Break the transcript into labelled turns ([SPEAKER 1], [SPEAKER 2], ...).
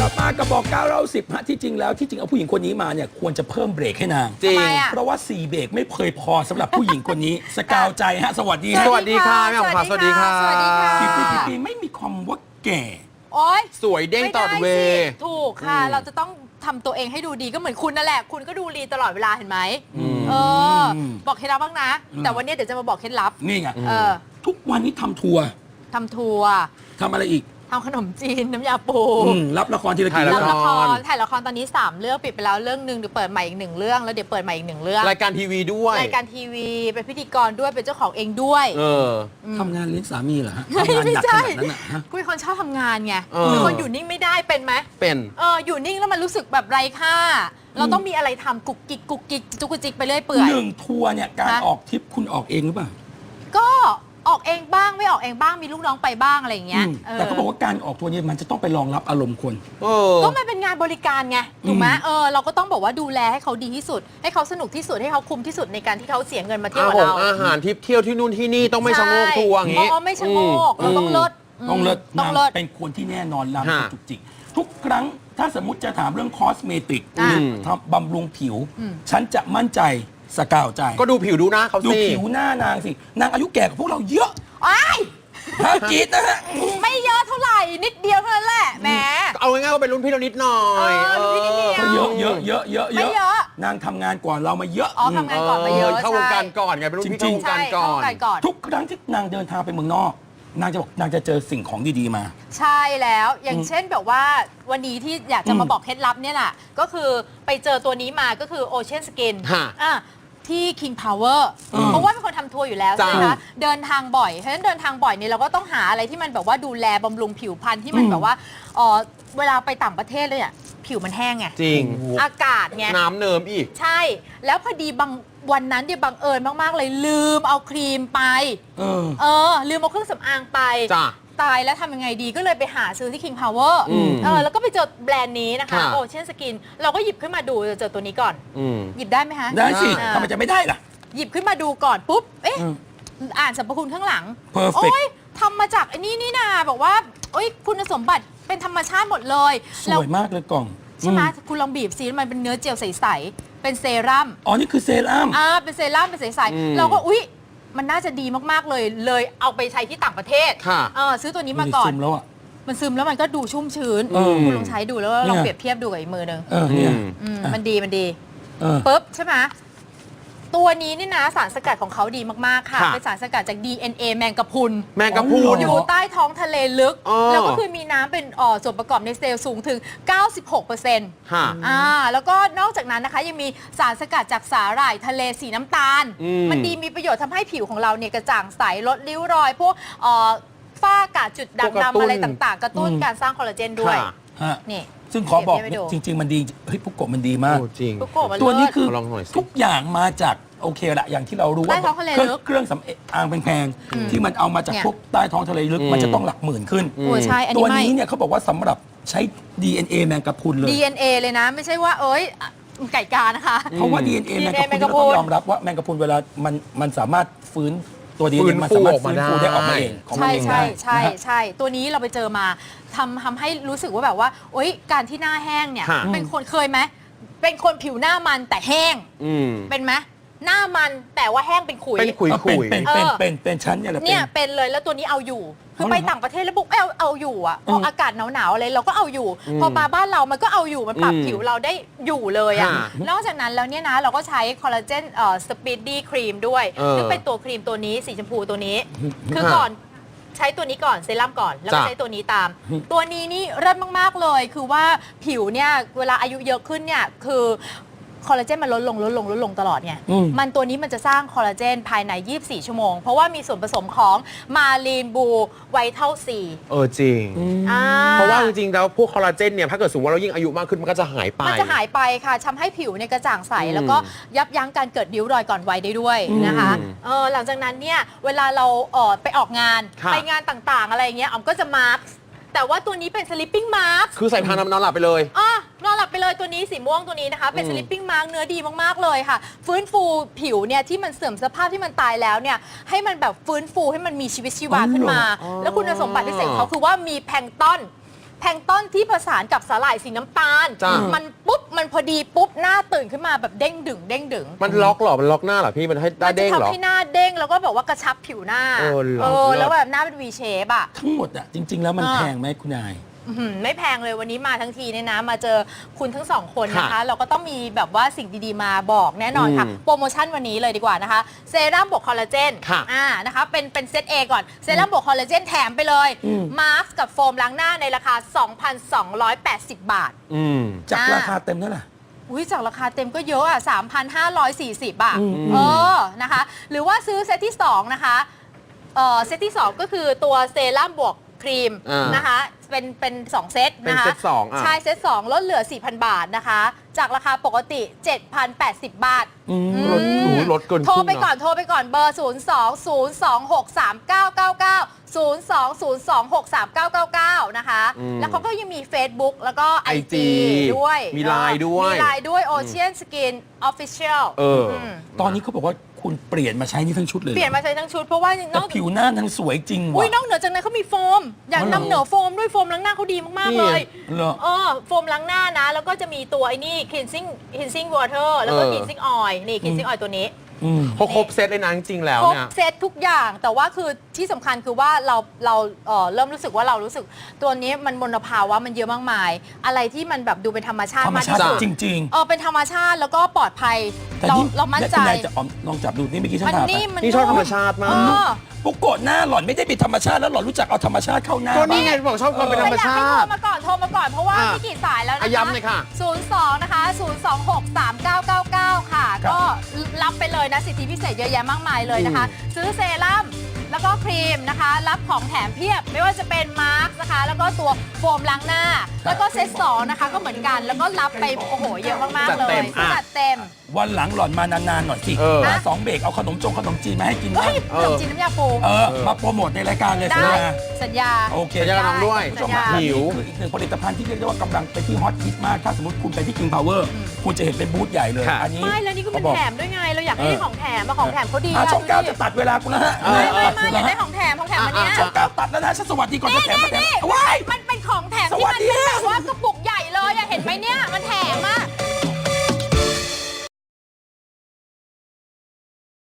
[SPEAKER 1] ลับมากระบอก9เรา10ฮะที่จริงแล้วที่จริงเอาผู้หญิงคนนี้มาเนี่ยควรจะเพิ่มเบรกให้นาง
[SPEAKER 2] จริง
[SPEAKER 1] เพราะว่า4เบรกไม่เคยพอสำหรับผู้หญิงคนนี้สกาวใจฮะสวัสดีฮะ
[SPEAKER 2] สวัสดีค่ะแม่ของขวัญสวัสดีค่ะ
[SPEAKER 3] สวัสดีค่ะ
[SPEAKER 1] กี่ปีไม่มีคำว่าแก่
[SPEAKER 3] โอ๊ย
[SPEAKER 2] สวยเด้งตลอดเว
[SPEAKER 3] ไม่ได้
[SPEAKER 2] ย์
[SPEAKER 3] สิถูกค่ะ เราจะต้องทำตัวเองให้ดูดีก็เหมือนคุณนั่นแหละ คุณก็ดูดีตลอดเวลาเห็นไหมเออ บอกเคล็ดลับบ้างนะ แต่วันนี้เดี๋ยวจะมาบอกเคล็ดลับ
[SPEAKER 1] นี่ไง
[SPEAKER 3] เออ
[SPEAKER 1] ทุกวันนี้ทำทัวร์
[SPEAKER 3] ทำทัวร์
[SPEAKER 1] ทำอะไรอีก
[SPEAKER 3] ทำขนมจีนน้ำยาปู
[SPEAKER 1] รับละครทีละกี่
[SPEAKER 2] ถ่าย
[SPEAKER 1] เรื่
[SPEAKER 3] รั
[SPEAKER 1] อบ ง
[SPEAKER 3] ละครถ่ายละครตอนนี้3เรื่องปิดไปแล้วเรื่องหนึ่งเดี๋ยวเปิดใหม่อีก1เรื่องแล้วเดี๋ยวเปิดใหม่อีก1เรื่อง
[SPEAKER 2] รายการทีวีด้วย
[SPEAKER 3] รายการทีวีเป็นพิธีกรด้วยเป็นเจ้าของเองด้วย
[SPEAKER 2] เออ
[SPEAKER 1] ทำงานเลี้ยงสามีเหรอฮะ
[SPEAKER 3] ไม่
[SPEAKER 1] ทำงานหนักข
[SPEAKER 3] ใช่
[SPEAKER 1] นาดนั้นนะฮะ
[SPEAKER 3] กูเป็นคนชอบทำงานไง
[SPEAKER 2] เออ
[SPEAKER 3] เป็นคนอยู่นิ่งไม่ได้เป็นไหม
[SPEAKER 2] เป็น
[SPEAKER 3] อยู่นิ่งแล้วมันรู้สึกแบบไร้ค่า เราต้องมีอะไรทำกุกกิกกุกกิกจุกจิกไปเรื่อยเปื่อย
[SPEAKER 1] หนึ่งทัวร์เนี่ยการ
[SPEAKER 3] ฮะ
[SPEAKER 1] ออกทริปคุณออกเองหรือเปล่า
[SPEAKER 3] ก็ออกเองบ้างไม่ออกเองบ้างมีลูกน้องไปบ้างอะไรอย่างเงี้ย
[SPEAKER 1] แต่เขาบอกว่าการออกทัวร์เนี่ยมันจะต้องไปรองรับอารมณ์คน
[SPEAKER 2] เออ
[SPEAKER 3] ก็มันเป็นงานบริการไงถูกไหมเราก็ต้องบอกว่าดูแลให้เขาดีที่สุด ให้เขาสนุกที่สุดให้เขาคุ้มที่สุดในการที่เขาเสียเงินมาเที่ยวกับเรา
[SPEAKER 2] อาหารทิปเที่ยวที่นู่นที่นี่ต้องไม่ชะโงกทัวร์อย่างงี้
[SPEAKER 3] อ๋อไม่ชะโงกเราต้องเลิศ
[SPEAKER 1] ต้องเลิศ
[SPEAKER 3] ต้อง
[SPEAKER 1] นาง
[SPEAKER 3] เลิศ
[SPEAKER 1] เป็นคนที่แน่นอนนาง
[SPEAKER 2] ฮะ
[SPEAKER 1] จุกจิกทุกครั้งถ้าสมมติจะถามเรื่องคอสเมติกห
[SPEAKER 3] อ่า
[SPEAKER 1] รือทำบำรุงผิว ฉันจะมั่นใจสกาวใจ
[SPEAKER 2] ก็ดูผิวดูหน้าเขา
[SPEAKER 1] ดู
[SPEAKER 2] สิ
[SPEAKER 1] ผิวหน้านางสิ นางอายุแก่กว่าพวกเราเยอะ
[SPEAKER 3] อ้าย
[SPEAKER 1] ฮะกรีดนะฮะ
[SPEAKER 3] ไม่เยอะเท่าไหร่นิดเดียวเท่านั้นแหละแหม
[SPEAKER 2] เอาง่ายๆว่าเป็นรุ่นพี่เรานิดหน่อย
[SPEAKER 3] รุ่นพี่นิดเดียว
[SPEAKER 1] ก็เยอะเยอะเยอะเยอะ
[SPEAKER 3] ไม่เยอะ
[SPEAKER 1] นางทำงานก่อนเรามาเยอะ
[SPEAKER 3] อ๋อทำงานก่อนมาเยอะ
[SPEAKER 2] เข้าวงการ
[SPEAKER 3] ใช่
[SPEAKER 2] ก่อนไงเป็นรุ่นพี่
[SPEAKER 1] จริ
[SPEAKER 2] เข้าง
[SPEAKER 1] ๆ
[SPEAKER 2] วงการก่อน
[SPEAKER 3] ใช่เข้าวงการก่อน
[SPEAKER 1] ทุกครั้งที่นางเดินทางไปเมืองนอก นางจะบอกนางจะเจอสิ่งของดีๆมา
[SPEAKER 3] ใช่แล้วอย่างเช่นแบบว่าวันนี้ที่อยากจะมาบอกเคล็ดลับเนี่ยแหละก็คือไปเจอตัวนี้มาก็คือ Ocean Skin
[SPEAKER 2] ฮะ
[SPEAKER 3] ที่ King Power เพราะว่าเป็นคนทำทัวร์อยู่แล้วใช่ไหม
[SPEAKER 2] จ้ะ
[SPEAKER 3] คะเดินทางบ่อยเพราะฉะนั้นเดินทางบ่อยเนี่ยเราก็ต้องหาอะไรที่มันแบบว่าดูแลบำรุงผิวพรรณที่มันแบบว่าเวลาไปต่างประเทศเลยอ่ะผิวมันแห้งไง
[SPEAKER 2] จริง
[SPEAKER 3] อากาศไง
[SPEAKER 2] น้ำเนิมอีก
[SPEAKER 3] ใช่ แล้วพอดีบางวันนั้นเนี่ยบังเอิญมาก ๆ เลยลืมเอาครีมไป ลืมเอาเครื่องสำอางไป
[SPEAKER 2] จ้ะ
[SPEAKER 3] ตายแล้วทำยังไงดีก็เลยไปหาซื้อที่ King Power แล้วก็ไปเจอแบรนด์นี้นะคะ
[SPEAKER 2] ค่ะ
[SPEAKER 3] Ocean Skin เราก็หยิบขึ้นมาดูเจอตัวนี้ก่อน
[SPEAKER 2] อืม
[SPEAKER 3] หยิบได้ไหมคะ
[SPEAKER 1] ได้สิ
[SPEAKER 3] อ่า
[SPEAKER 1] ทำไมจะไม่ได้ล่ะ
[SPEAKER 3] หยิบขึ้นมาดูก่อนปุ๊บ เอ๊ะ
[SPEAKER 1] อืม
[SPEAKER 3] อ่านสรรพคุณข้างหลัง
[SPEAKER 1] Perfect
[SPEAKER 3] โอ้ยทำมาจากไอ้นี่นาบอกว่าโอ้ยคุณสมบัติเป็นธรรมชาติหมดเลย
[SPEAKER 1] ส
[SPEAKER 3] แล้ว
[SPEAKER 1] วยมากเลยกล่อง
[SPEAKER 3] ใช่ไหม
[SPEAKER 1] อื
[SPEAKER 3] คุณลองบีบซิมันเป็นเนื้อเจลใส ๆ เป็นเซรั่ม
[SPEAKER 1] อ๋อ นี่คือเซรั่ม
[SPEAKER 3] เป็นเซรั่มเป็นใส
[SPEAKER 2] อืม
[SPEAKER 3] ๆเราก็อุ๊ยมันน่าจะดีมาก ๆ เลยเอาไปใช้ที่ต่างประเทศ
[SPEAKER 2] ค่ะ
[SPEAKER 3] ซื้อตัวนี้มาก่อน
[SPEAKER 1] ซึมแล้วอ่ะ
[SPEAKER 3] มันซึมแล้วมันก็ดูชุ่มชื้น
[SPEAKER 1] เออ
[SPEAKER 3] คุณลองใช้ดูแล้วลอง
[SPEAKER 1] เนี่ย
[SPEAKER 3] เปรียบเทียบดูกับอีกมือหนึ่ง
[SPEAKER 1] เนี่ย
[SPEAKER 3] มันดีมันดี
[SPEAKER 1] เออ
[SPEAKER 3] ปุ๊บใช่ไหมตัวนี้นี่นะสารสกัดของเขาดีมาก ๆ ค่ะ
[SPEAKER 2] ค่ะ
[SPEAKER 3] เป็นสารสกัดจาก DNA แมงกะพรุน
[SPEAKER 2] แมงกะพรุ
[SPEAKER 1] อ๋อ
[SPEAKER 2] น
[SPEAKER 1] เหร
[SPEAKER 3] อยู่ใต้ท้องทะเลลึก
[SPEAKER 2] อ๋อ
[SPEAKER 3] แล้วก็คือมีน้ำเป็นส่วนประกอบในเซลล์สูงถึง 96%
[SPEAKER 2] ค่ะ
[SPEAKER 3] แล้วก็นอกจากนั้นนะคะยังมีสารสกัดจากสาหร่ายทะเลสีน้ำตาล มันดีมีประโยชน์ทำให้ผิวของเราเนี่ยกระจ่างใสลดริ้วรอย พวกฝ้ากระจุด
[SPEAKER 2] พวกกระ
[SPEAKER 3] ด่าง
[SPEAKER 2] ตุ้น
[SPEAKER 3] ดำอะไรต่างๆ กระตุ้นการสร้างคอลลาเจนด้วย
[SPEAKER 2] ค่ะ
[SPEAKER 1] ฮะ
[SPEAKER 3] นี่
[SPEAKER 1] ซึ่งขอบอก
[SPEAKER 3] เดี๋ยวให้ดู
[SPEAKER 1] จริง ๆ มันดี เฮ้ยพุกโกะมันดีมาก
[SPEAKER 2] โอ้จริง
[SPEAKER 3] ทุกโกะมัน
[SPEAKER 1] ตัวนี้
[SPEAKER 3] เลิศ
[SPEAKER 1] คือ
[SPEAKER 2] ลองหน่อยสิ
[SPEAKER 1] ทุกอย่างมาจากโอเคละอย่างที่เรารู้ว่า
[SPEAKER 3] ใต้ท้องทะเลลึก
[SPEAKER 1] เครื่องสำอางแพงๆที่มันเอามาจาก
[SPEAKER 3] เนี่ย
[SPEAKER 1] พวกใต้ท้องทะเลลึกมันจะต้องหลักหมื่นขึ้น
[SPEAKER 3] โอ้ใช่อัน
[SPEAKER 1] ตั
[SPEAKER 3] นี้
[SPEAKER 1] ว
[SPEAKER 3] ไม่
[SPEAKER 1] นี้เนี่ยเขาบอกว่าสำหรับใช้ DNA แมงกะพรุนเลย
[SPEAKER 3] DNA เลยนะ ไม่ใช่ว่าไก่กานะคะ
[SPEAKER 1] เพราะว่า DNA แมงกะพรุน
[SPEAKER 3] แมงกะ
[SPEAKER 1] เรา
[SPEAKER 3] พรุน
[SPEAKER 1] ต้องยอมรับว่าแมงกะพรุนเวลามันสามารถฟื้นตัว
[SPEAKER 2] ฟื้
[SPEAKER 1] DNA
[SPEAKER 2] น
[SPEAKER 1] มัน
[SPEAKER 2] ฟู
[SPEAKER 1] สามารถ
[SPEAKER 2] ออกมา
[SPEAKER 1] ฟื้นฟูได้ออกมา
[SPEAKER 2] ได้
[SPEAKER 1] เองของมัน
[SPEAKER 3] ใช่
[SPEAKER 1] เอง
[SPEAKER 3] ใช่
[SPEAKER 1] ได้
[SPEAKER 3] ใช่
[SPEAKER 1] นะฮะ
[SPEAKER 3] ใช่ตัวนี้เราไปเจอมาทำให้รู้สึกว่าแบบว่าโอ๊ยการที่หน้าแห้งเนี่ย
[SPEAKER 2] ค่ะ
[SPEAKER 3] เป็นคนเคยไหมเป็นคนผิวหน้ามันแต่แห้ง
[SPEAKER 2] อืม
[SPEAKER 3] เป็นไหมหน้ามันแต่ว่าแห้งเป็นขุย
[SPEAKER 2] เป็นขุย
[SPEAKER 1] เป็นชั้นเนี่ยแหละ
[SPEAKER 3] เนี่ยเป็นเลยแล้วตัวนี้เอาอยู่คือ
[SPEAKER 1] เอาเหรอ
[SPEAKER 3] ไปต่างประเทศแล้วบุ๊กเอาอยู่อ่ะพออากาศหนาวๆอะไรเราก็เอาอยู่ พอมาบ้านเรามันก็เอาอยู่มันปรับผิวเราได้อยู่เลยอ่ะ
[SPEAKER 2] ค่ะ
[SPEAKER 3] นอกจากนั้นแล้วเนี่ยนะเราก็ใช้คอลลาเจนสปีดดี้ครีมด้วยซึ่งเป็นตัวครีมตัวนี้สีชมพูตัวนี้ คือก่อนใช้ตัวนี้ก่อนเซรั่มก่อนแล้วก็
[SPEAKER 2] จ้ะ
[SPEAKER 3] ใช้ตัวนี้ตาม ตัวนี้นี่เลิศมากๆเลย คือว่าผิวเนี่ยเวลาอายุเยอะขึ้นเนี่ยคือคอลลาเจนมันลดลงตลอดไงมันตัวนี้มันจะสร้างคอลลาเจนภายใน 24 ชั่วโมง เพราะว่ามีส่วนผสมของมาลีนบูไวท์เท่าซี
[SPEAKER 2] จริง เพราะว่าจริงๆแล้วพวกคอลลาเจนเนี่ยถ้าเกิดสมมติว่าเรายิ่งอายุมากขึ้นมันก็จะหายไป
[SPEAKER 3] มันจะหายไปค่ะทำให้ผิวเนี่ยกระจ่างใส แล้วก็ยับยั้งการเกิดริ้วรอยก่อนวัยได้ด้วยนะคะหลังจากนั้นเนี่ยเวลาเราไปออกงาน
[SPEAKER 2] ค่ะ
[SPEAKER 3] ไปงานต่างๆ อะไรอย่างเงี้ยอ๋อมก็จะมาร์คแต่ว่าตัวนี้เป็น sleeping mask
[SPEAKER 2] คือใส่พานอนหลับไปเลย
[SPEAKER 3] นอนหลับไปเลยตัวนี้สีม่วงตัวนี้นะคะ เป็น sleeping mask เนื้อดีมากๆเลยค่ะ ฟื้นฟูผิวเนี่ยที่มันเสื่อมสภาพที่มันตายแล้วเนี่ยให้มันแบบฟื้นฟูให้มันมีชีวิตชีวาขึ้นมา แล้วคุณสมบัติพิเศษของเขาคือว่ามีแพลงก์ตอนแพลงก์ต้นที่ผสานกับสาหร่ายสีน้ำตาล
[SPEAKER 2] จ้ะ
[SPEAKER 3] มันปุ๊บมันพอดีปุ๊บหน้าตื่นขึ้นมาแบบเด้งดึงเด้งดึง
[SPEAKER 2] มันล็อกเหรอมันล็อกหน้าเหรอพี่มันให้ได้
[SPEAKER 3] มันจะ
[SPEAKER 2] เด้งเหรอ
[SPEAKER 3] ทำให้หน้าเด้งแล้วก็แบบว่ากระชับผิวหน้า
[SPEAKER 2] เหรอ
[SPEAKER 3] แล้วแบบหน้าเป็น V shape อ่ะ
[SPEAKER 1] ทั้งหมดอ่ะจริง ๆ แล้วมันแพงไหมคุณนาย
[SPEAKER 3] ไม่แพงเลยวันนี้มาทั้งทีเนี่ยนะมาเจอคุณทั้งสองคนนะคะ
[SPEAKER 2] ค่ะ
[SPEAKER 3] เราก็ต้องมีแบบว่าสิ่งดีๆมาบอกแน่นอนค่ะ โปรโมชั่นวันนี้เลยดีกว่านะคะเซรั่มบวกคอลลาเจน
[SPEAKER 2] ค่ะ
[SPEAKER 3] นะคะเป็นเซต A ก่อนเซรั่มบวกคอลลาเจนแถมไปเลยมาสก์กับโฟมล้างหน้าในราคา 2,280 บาท
[SPEAKER 1] จากราคาเต็มเท่าไหร่
[SPEAKER 3] อุ้ยจากราคาเต็มก็เยอะอ่ะ 3,540 บาทนะคะหรือว่าซื้อเซตที่ 2 นะคะเซตที่ 2 ก็คือตัวเซรั่มบวกครีมนะคะเป็น2 เซตนะคะ
[SPEAKER 2] เป็นเซตสองอ่ะ
[SPEAKER 3] ใช่เซต 2 ลดเหลือ 4,000 บาทนะคะ จากราคาปกติ 7,080 บาท
[SPEAKER 2] ลดเกิน
[SPEAKER 3] โทรไป
[SPEAKER 2] ครึ่ง
[SPEAKER 3] ก่อน
[SPEAKER 2] นะ
[SPEAKER 3] โทรไปก่อนเบอร์ 02-026-3999 02-026-3999 นะคะ แล้วเขาก็ยังมี Facebook แล้วก็ IG ด้วย
[SPEAKER 2] มี Line ด้วย
[SPEAKER 3] มี Line ด้วย Ocean Skin Official
[SPEAKER 1] ตอนนี้เขาบอกว่าคุณเปลี่ยนมาใช้นี่ทั้งชุดเลย
[SPEAKER 3] เปลี่ยนมาใช้ทั้งชุดเพราะว่าน
[SPEAKER 1] แต่
[SPEAKER 3] อก
[SPEAKER 1] ผิวหน้านางสวยจริง
[SPEAKER 3] อุ้
[SPEAKER 1] ว่ะ
[SPEAKER 3] ยนอกเหนือจากนั้นเขามีโฟม อยากนำเหนือโฟมด้วยโฟมล้างหน้าเขาดีมาก ๆ เลย
[SPEAKER 1] เหรอ
[SPEAKER 3] โฟมล้างหน้านะ แล้วก็จะมีตัวไอ้นี่ cleansing water แล้วก็ cleansing oil นี่ cleansing oil ตัวนี้
[SPEAKER 2] เขาครบเซตเลยนะจริงๆแล้ว
[SPEAKER 3] ครบ
[SPEAKER 2] เนี่ย
[SPEAKER 3] เซตทุกอย่างแต่ว่าคือที่สำคัญคือว่าเราเริ่มรู้สึกว่าเรารู้สึกตัวนี้มันมลภาวะมันเยอะมากมาย อะไรที่มันแบบดูเป็นธรรมชาติ
[SPEAKER 1] ธรรม
[SPEAKER 3] มาก
[SPEAKER 1] ชา
[SPEAKER 3] ที่
[SPEAKER 1] ติ
[SPEAKER 3] สุด
[SPEAKER 1] จริง
[SPEAKER 3] เป็นธรรมชาติแล้วก็ปลอดภัย
[SPEAKER 1] ๆ แต่
[SPEAKER 3] เรามั่นใจ
[SPEAKER 1] คุณนายจะลองจับดูนี่เมื่อกี้ฉัน
[SPEAKER 3] มัน
[SPEAKER 1] ถามไป
[SPEAKER 3] นี่มัน
[SPEAKER 2] นี่ชอบธรรมชาติมาก
[SPEAKER 1] ปุกโกะหน้าหล่อนไม่ได้เป็นธรรมชาติแล้วหล่อนรู้จักเอาธรรมชาติเข้าหน้า
[SPEAKER 2] ก็นี่
[SPEAKER 1] บ้าง
[SPEAKER 2] ไงบอกชอบความเป็นธรรมชา
[SPEAKER 3] อยากให้
[SPEAKER 2] ติ
[SPEAKER 3] โทรมาก่อนเพราะว่า
[SPEAKER 2] อ่ะ
[SPEAKER 3] ไม่กี่สายแล้วนะคะ
[SPEAKER 2] ย้ำเลยค่ะ
[SPEAKER 3] 02 นะคะ 026-3999 ค่ะ ก็รับไปเลยนะสิทธิพิเศษเยอะแยะมากมายเลยนะคะ ซื้อเซรั่มแล้วก็ครีมนะคะ รับของแถมเพียบ ไม่ว่าจะเป็นมาร์กนะคะ แล้วก็ตัวโฟมล้างหน้า แล้วก็เซต2นะคะก็เหมือนกัน แล้วก็รับไปโอ้โหเยอะมากๆ
[SPEAKER 2] จัด
[SPEAKER 3] เล
[SPEAKER 2] เต็
[SPEAKER 3] ย
[SPEAKER 2] มอ่ะ
[SPEAKER 3] จัดเต็ม
[SPEAKER 1] วันหลังหล่อนมานานๆหน่อยสิ มา2 เบรกเอาขนมจีนมาให้กิน
[SPEAKER 3] เฮ้
[SPEAKER 1] บ้าย ง
[SPEAKER 3] ขนมจีนน้ำยาปู
[SPEAKER 1] มาโปรโมทในรายการเลย
[SPEAKER 3] ได้
[SPEAKER 1] สินะ
[SPEAKER 3] สัญญา
[SPEAKER 1] โอเค
[SPEAKER 2] สัญญากับน้องด้วย
[SPEAKER 1] คุณผู้ชม
[SPEAKER 3] สัญญา
[SPEAKER 1] ฮะ
[SPEAKER 2] หิว
[SPEAKER 1] นี่คืออีกหนึ่งผลิตภัณฑ์ที่เรียกได้ว่ากำลังเป็นที่ฮอตฮิตมาก ถ้าสมมติคุณไปที่ King Power คุณจะเห็นเป็นบูธใหญ่เลย
[SPEAKER 2] ค่ะ
[SPEAKER 1] อันนี้
[SPEAKER 3] ไม่แล้วนี่ก็เป็น
[SPEAKER 1] ขาบอก
[SPEAKER 3] แถมด้วยไง เราอยากให้ได้ของแถมมาของแถมเขาดี
[SPEAKER 1] ช่องเก้าจะตัดเวลากูแล้วฮะ
[SPEAKER 3] ไม่อยากได้ของแถมวันเนี้ย
[SPEAKER 1] ช่องเก้าตัดแล้วนะฉันสวัสดีก่อนจะแถมมาแถมว้าย
[SPEAKER 3] มันเป็นของแถม
[SPEAKER 1] ส
[SPEAKER 3] ที่
[SPEAKER 1] วัส
[SPEAKER 3] มัน
[SPEAKER 1] ดี
[SPEAKER 3] เป็นแบบว่ากระปุกใหญ่เลยอะเห็นไหมเนี่ย